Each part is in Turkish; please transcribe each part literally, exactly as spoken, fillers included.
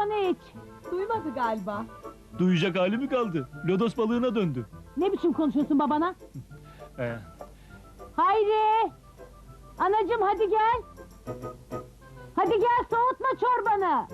çorbanı iç. Duymadı galiba. Duyacak hali mi kaldı? Lodos balığına döndü. Ne biçim konuşuyorsun babana? Ee, Hayri! Anacığım hadi gel. Hadi gel, soğutma çorbanı.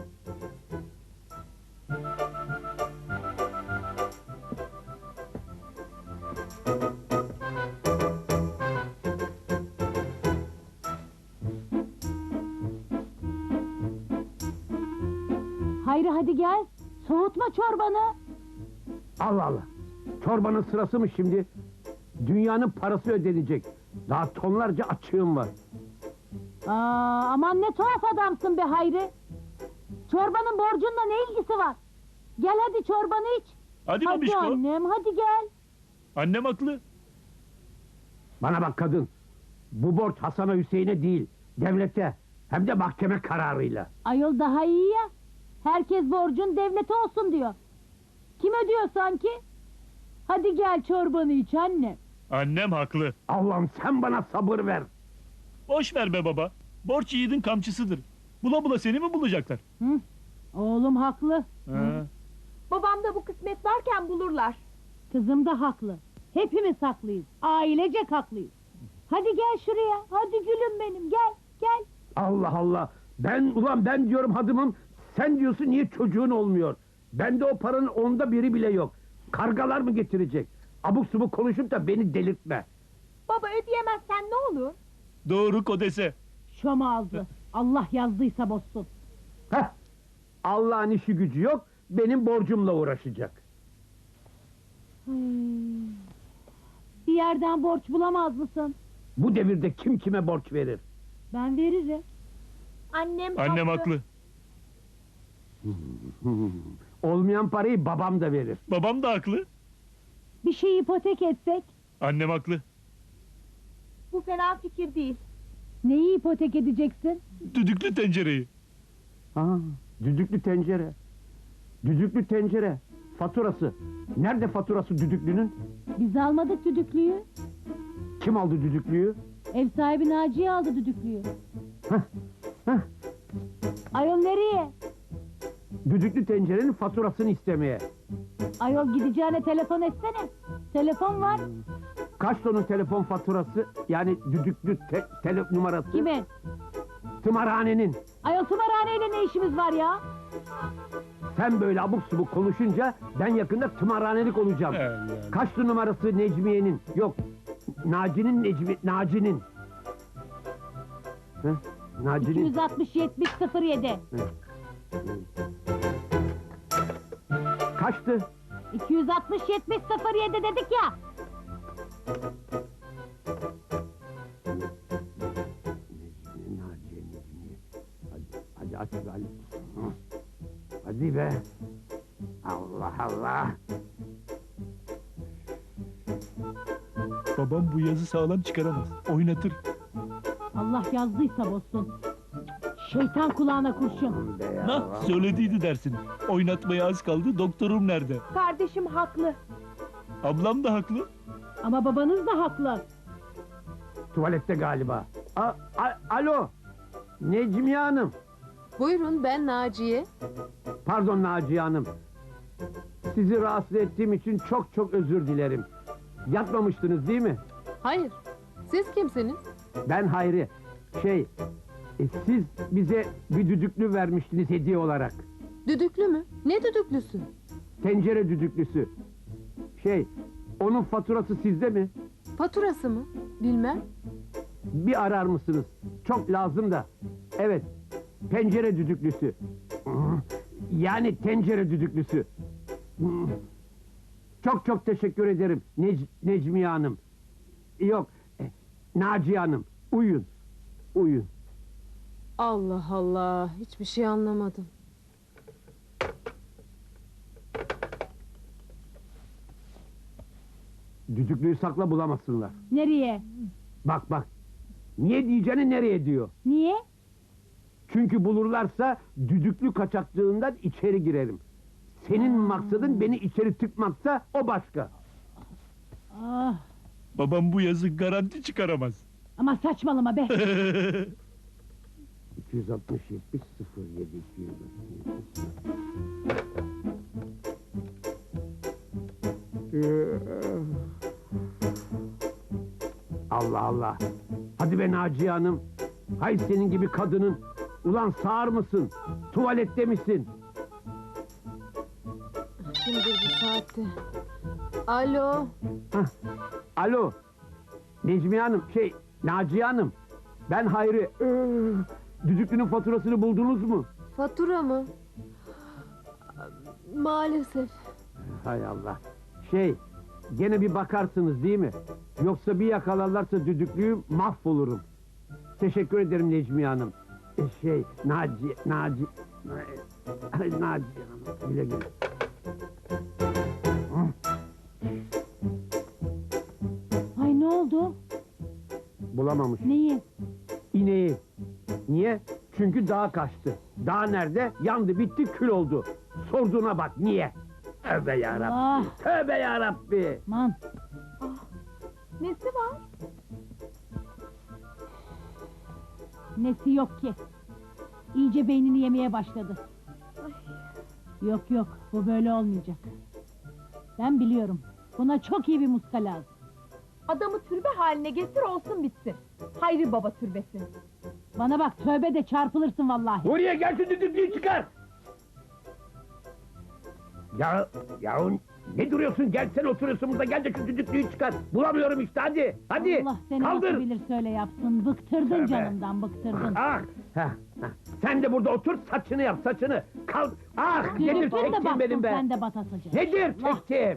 Hayri hadi gel. Soğutma çorbanı. Allah Allah! Çorbanın sırası mı şimdi? Dünyanın parası ödenecek. Daha tonlarca açığım var. Aa, aman ne tuhaf adamsın be Hayri. Çorbanın borcunla ne ilgisi var? Gel hadi çorbanı iç. hadi Hadi babişko. annem hadi gel. Annem haklı. Bana bak kadın! Bu borç Hasan'a Hüseyin'e değil, devlete, hem de mahkeme kararıyla. Ayol daha iyi ya. Herkes borcun devlete olsun diyor. Kim ödüyor sanki? Hadi gel çorbanı iç anne. Annem haklı. Allah'ım sen bana sabır ver! Boş ver be baba. Borç yiğidin kamçısıdır. Bula bula seni mi bulacaklar? Hı? Oğlum haklı. Ha. Babam da bu kısmet varken bulurlar. Kızım da haklı. Hepimiz haklıyız. Ailecek haklıyız. Hadi gel şuraya. Hadi gülüm benim gel gel. Allah Allah! Ben, ulan ben diyorum hadımım, sen diyorsun niye çocuğun olmuyor? Bende o paranın onda biri bile yok. Kargalar mı getirecek? Abuk subuk konuşup da beni delirtme. Baba ödeyemezsen ne olur? Doğru kodese. Şom ağzı. Allah yazdıysa bozsun. Heh! Allah'ın işi gücü yok, benim borcumla uğraşacak. Hmm. Bir yerden borç bulamaz mısın? Bu devirde kim kime borç verir? Ben veririm. Annem Annem haklı. Olmayan parayı babam da verir. Babam da haklı. Bir şey ipotek etsek. Annem haklı. Bu fena fikir değil. Neyi ipotek edeceksin? Düdüklü tencereyi. Ha, düdüklü tencere. Düdüklü tencere. Faturası. Nerede faturası düdüklünün? Biz almadık düdüklüyü. Kim aldı düdüklüyü? Ev sahibi Naciye aldı düdüklüyü. Heh, heh. Ayol nereye? Düdüklü tencerenin faturasını istemeye. Ayol gideceğine telefon etsene. Telefon var. Kaç tonun telefon faturası? Yani düdüklü te tele numarası? Kimin? Tımarhanenin. Ayol tımarhaneyle ne işimiz var ya? Sen böyle abuk subuk konuşunca ben yakında tımarhanelik olacağım. He, yani. Kaçtı numarası Necmiye'nin? Yok, Naci'nin Necmi... Naci'nin. Heh, iki Naci'nin. yüz altmış yetmiş sıfır yedi. Kaçtı? iki yüz altmış yetmiş sıfır yedi dedik ya. Necmiye, Naciye, Necmiye. Hadi, hadi aç be Ali. Hı. Hadi be. Allah Allah. Babam bu yazı sağlam çıkaramaz. Oynatır. Allah yazdıysa bozsun. Şeytan kulağına kurşun. Be ya. Nah söylediydi dersin. Oynatmaya az kaldı, doktorum nerede? Kardeşim haklı. Ablam da haklı. Ama babanız da haklı. Tuvalette galiba. A, a- alo. Necmiye Hanım. Buyurun, ben Naciye. Pardon Naciye Hanım. Sizi rahatsız ettiğim için çok çok özür dilerim. Yatmamıştınız değil mi? Hayır, siz kimsiniz? Ben Hayri. Şey, e, siz bize bir düdüklü vermiştiniz hediye olarak. Düdüklü mü? Ne düdüklüsü? Tencere düdüklüsü. Şey, onun faturası sizde mi? Faturası mı? Bilmem. Bir arar mısınız? Çok lazım da. Evet, pencere düdüklüsü. Yani tencere düdüklüsü. Çok çok teşekkür ederim Nec Necmiye Hanım. Yok, e, Naciye Hanım. Uyun, uyun. Allah Allah, hiçbir şey anlamadım. Düdüklüyü sakla bulamazsınlar. Nereye? Bak bak. Niye diyeceğini nereye diyor. Niye? Çünkü bulurlarsa düdüklü kaçaklığından içeri girerim. Senin maksadın beni içeri tıkmaksa o başka. Ah, Babam bu yazı garanti çıkaramaz. ama saçmalama be. iki yüz altmış yetmiş sıfır yedi iki yüz altmış yetmiş. Allah Allah. Hadi be Naciye Hanım. Hay senin gibi kadının. Ulan sağır mısın? Tuvalette misin? Kimdir bu saatte? Alo. Hah. Alo. Necmiye Hanım, şey Naciye Hanım. Ben Hayri. Ee, düdüklünün faturasını buldunuz mu? Fatura mı? Maalesef. Hay Allah. Şey, gene bir bakarsınız değil mi? Yoksa bir yakalarlarsa düdüklüyü mahvolurum. Teşekkür ederim Necmiye Hanım. E, şey, Naci, Naci, Ay, Naciye Hanım, güle güle. Ay ne oldu? Bulamamış. Neyi? İneği. Niye? Çünkü dağa kaçtı. Dağ nerede? Yandı, bitti, kül oldu. Sorduğuna bak, niye? Tövbe yarabbi, Allah! tövbe yarabbi. Aman. Nesi var? Nesi yok ki? İyice beynini yemeye başladı. Yok yok, bu böyle olmayacak. Ben biliyorum. Buna çok iyi bir muska lazım. Adamı türbe haline getir olsun bitsin. Hayri Baba türbesi. Bana bak, tövbe de çarpılırsın vallahi. Buraya gel şu düdüklüyü çıkar. Ya, ya ne duruyorsun? Gel sen oturuyorsun burada, gel de şu düdüklüyü çıkar. Bulamıyorum işte, hadi, hadi. Allah seni kaldır. nasıl bilir söyle yapsın. Bıktırdın Tövbe. canımdan, bıktırdın. Ah, heh, heh. Sen de burada otur, saçını yap, saçını. Kal, ah, nedir Düdüklün de çektiğim baksın, benim be? sen de batasıca. Nedir Allah. çektiğim?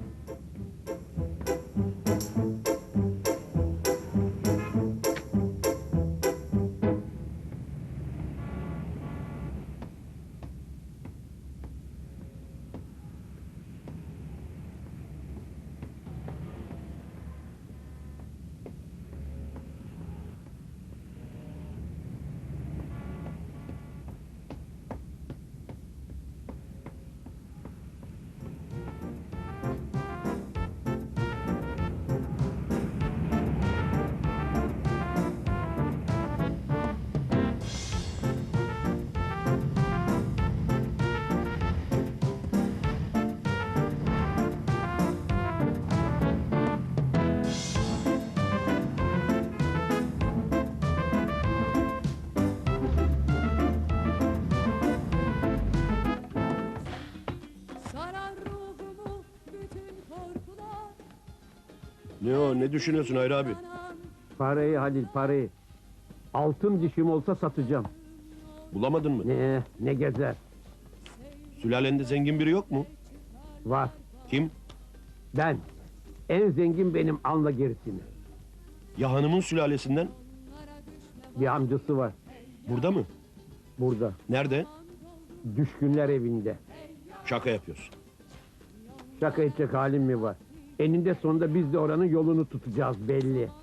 Sarar ruhumu bütün korkular. Ne o, ne düşünüyorsun Hayri abi? Parayı Halil, parayı. Altın dişim olsa satacağım. Bulamadın mı? Ne, ne gezer. Sülalende zengin biri yok mu? Var, Kim? ben. En zengin benim, anla gerisini. Ya hanımın sülalesinden? Bir amcası var, Burada mı? burada. Nerede? Düşkünler evinde. Şaka yapıyorsun. Şaka edecek halim mi var? Eninde sonunda biz de oranın yolunu tutacağız belli.